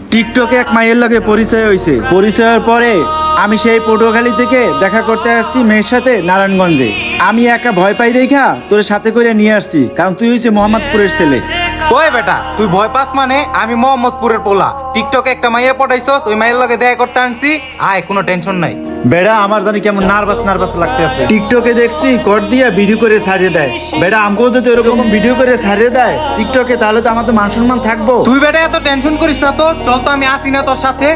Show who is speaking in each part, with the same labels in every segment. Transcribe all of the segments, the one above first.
Speaker 1: টিকটকে এক মাইয়ের লগে পরিচয় হয়েছে। পরিচয়ের পরে আমি সেই পটুয়াখালী থেকে দেখা করতে আসছি মেয়ের সাথে নারায়ণগঞ্জে। আমি একা ভয় পাই দেখা তোর সাথে করে নিয়ে আসছি, কারণ তুই হচ্ছে মোহাম্মদপুরের ছেলে।
Speaker 2: ওই বেটা তুই ভয় পাস মানে? আমি মোহাম্মদপুরের পোলা, টিকটকে একটা মাইয়া পটাইছস, ওই মাইয়ের লগে দেখা করতে আনছি। আয়, কোনো টেনশন নাই।
Speaker 1: বেড়া আমার জানি কেমন নার্ভাস লাগতে আছে। টিকটকে দেখছি কর দিয়া ভিডিও করে ছাড়িয়ে দেয়। বেড়া আমাকেও যদি ওরকম ভিডিও করে ছাড়িয়ে দেয় টিকটকে, তাহলে তো আমার তো মান সম্মান থাকবো।
Speaker 2: তুই বেটা এত টেনশন করিস না তো, চল তো আমি আসি না তোর সাথে।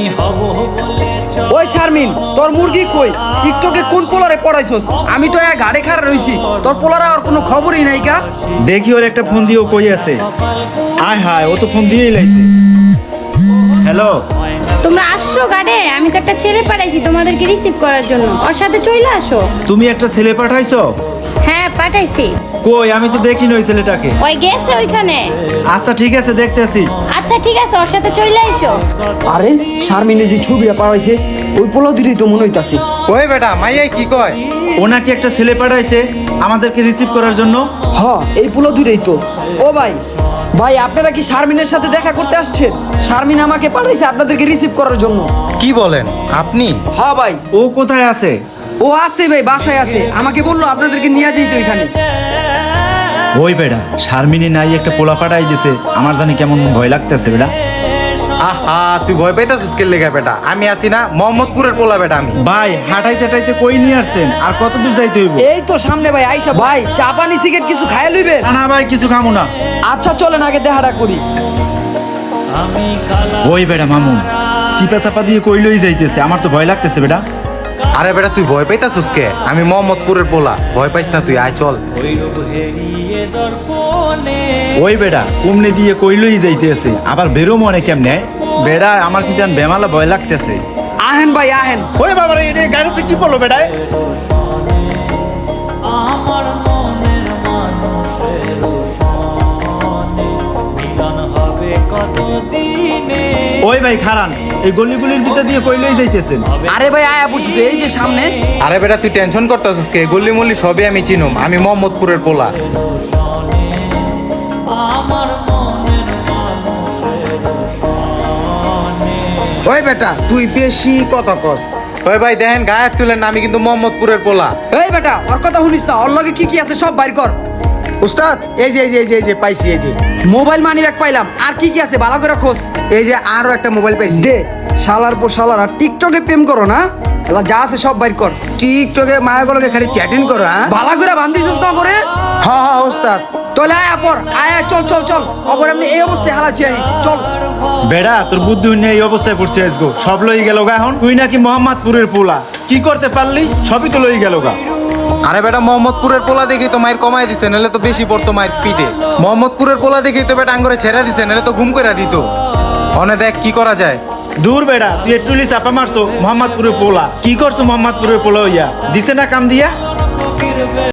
Speaker 3: ওই শারমিন, তোর মুরগি কই? টিকটকে কোন পোলারে পড়াইছস? আমি তো এক গাড়ি খাড়া রইছি, তোর পোলারা আর কোনো খবরই নাই কা?
Speaker 1: দেখি ওর একটা ফোন দিয়ে ও কই আছে। আয় হায়, ও তো ফোন দিয়েই লাইছে। হ্যালো,
Speaker 4: তোমরা আসছো গাড়ে? আমি তো একটা ছেলে পাঠাইছি তোমাদেরকে রিসিভ করার জন্য, ওর সাথে চলে আসো।
Speaker 1: তুমি একটা ছেলে পাঠাইছো?
Speaker 4: হ্যাঁ পাঠাইছি।
Speaker 1: কই, আমি তো দেখিনি ওই ছেলেটাকে।
Speaker 4: ওই গেছে ওইখানে।
Speaker 1: আচ্ছা ঠিক আছে, দেখতেছি।
Speaker 4: আচ্ছা ঠিক আছে, ওর সাথে চলে আইসো।
Speaker 3: আরে শারমিনে যে ছবিটা পাঠাইছে ওই পোলা দিদি তো মনে হইতাছে।
Speaker 2: ওই বেটা মাইয়াই কি কয়?
Speaker 1: ও নাকি একটা ছেলে পাঠাইছে আমাদেরকে রিসিভ করার জন্য।
Speaker 3: হ, এই পোলা দুইটাই তো। ও ভাই, ভাই আপনারা কি শারমিনের সাথে দেখা করতে আসছেন? শারমিন আমাকে পাঠাইছে আপনাদেরকে রিসিভ করার জন্য।
Speaker 2: কি বলেন আপনি?
Speaker 3: হ্যাঁ ভাই,
Speaker 1: ও কোথায় আছে?
Speaker 3: ও আছে ভাই, বাসায় আছে। আমাকে বললো আপনাদেরকে নিয়ে যাইতো এখানে।
Speaker 1: ওই বেড়া শারমিনী নাই একটা পোলা পাঠাই দিছে, আমার জানি কেমন ভয় লাগতেছে বেড়া।
Speaker 2: আহা, তুই ভয় পাইতাছিস কে লেগা বেটা? আমি আসি না, মোহাম্মদপুরের পোলা বেটা আমি।
Speaker 1: ভাই হাঁটাইতে হাঁটাইতে কই নিয়ে আসছেন? আর কত দূর যাইতে হইব?
Speaker 3: এই তো সামনে ভাই, আইসা ভাই চা পানি সিগারেট কিছু খাইয়া লইবেন?
Speaker 1: না না ভাই, কিছু খামু না।
Speaker 3: আচ্ছা চলেন আগে দেখাটা করি।
Speaker 1: ওই বেড়া মামু চিপা চাপা দিয়ে কই লই যাইতেছে, আমার তো ভয় লাগতেছে বেড়া।
Speaker 2: আরে বেটা তুই ভয় পাইতাছিস কে? আমি মোহাম্মদপুরের পোলা, ভয় পাইস না তুই, আয় চল।
Speaker 1: ওই বেড়া কুমনে দিয়ে কই লই যাইতেছে, আবার বেরো মনে কেমনে? বেড়া আমার কি জান বেমালা ভয় লাগতেছে।
Speaker 3: আহেন ভাই আহেন।
Speaker 1: ওই বাবা রে, এটা গাড়িতে কি পড়লো বেড়ায়?
Speaker 5: আমার মনের মানুষের সনে মিলন হবে কতদিনে।
Speaker 1: ওই ভাই খারান, এই গলিগুলির ভিতর দিয়ে কই লই যাইতেছেন?
Speaker 3: আরে ভাই আয়া পড়ছি তো, এই যে সামনে।
Speaker 2: আরে বেটা তুই টেনশন করতেছিস কে? গল্লি মল্লি সবই আমি চিনুম, আমি মোহাম্মদপুরের পোলা।
Speaker 5: আমার মনের মানুষের সনে।
Speaker 3: ওই বেটা তুই বেশি কথা কস।
Speaker 2: ওই ভাই দেখেন গায়ে তুলেন না, আমি কিন্তু মোহাম্মদপুরের পোলা।
Speaker 3: এই বেটা ওর কথা শুনিস না, ওর লগে কি কি আছে সব বাইর কর।
Speaker 6: উস্তাদ এই যে পাইছি। এই যে
Speaker 3: মোবাইল মানি ব্যাগ পাইলাম, আর কি কি আছে ভালো করে খোঁজ।
Speaker 6: এই যে আরো একটা মোবাইল পাইছি।
Speaker 3: দে, শালার পর শালার আর টিকটকে প্রেম করো না? এলা যা আছে সব বাইর কর।
Speaker 6: টিকটকে মায়াগুলোকে খালি চ্যাটিং করো, হ্যাঁ?
Speaker 3: ভালো করে বান্ধিছিস না করে?
Speaker 6: হ্যাঁ উস্তাদ।
Speaker 3: তাহলে আয়া পর, আয়া চল চল চল, অগর এমনি এই অবস্থায় হালাচ্ছি আই, চল।
Speaker 1: বেড়া তোর বুদ্ধি নিয়ে এই অবস্থায় পড়ছে আজগো, সব লই গেল গা। এখন তুই নাকি মোহাম্মদপুরের পোলা, কি করতে পারলি? সবই তো লই গেল গা।
Speaker 2: আরে বেটা মোহাম্মদপুরের পোলা দেখি তো মায়ের কমাই দিছে, নাহলে তো বেশি পড়তো মায়ের পিঠে। মোহাম্মদপুরের পোলা দেখি তো বেটা আঙ্গরে ছেড়া দিছে, নাহলে তো ঘুম করে দিত। অনে দেখ কি করা যায়।
Speaker 1: দূর বেড়া, তুই একটু চাপা মারছো মোহাম্মদপুরের পোলা। কি করছো মোহাম্মদপুরের পোলা হইয়া? দিছে না কাম দিয়া?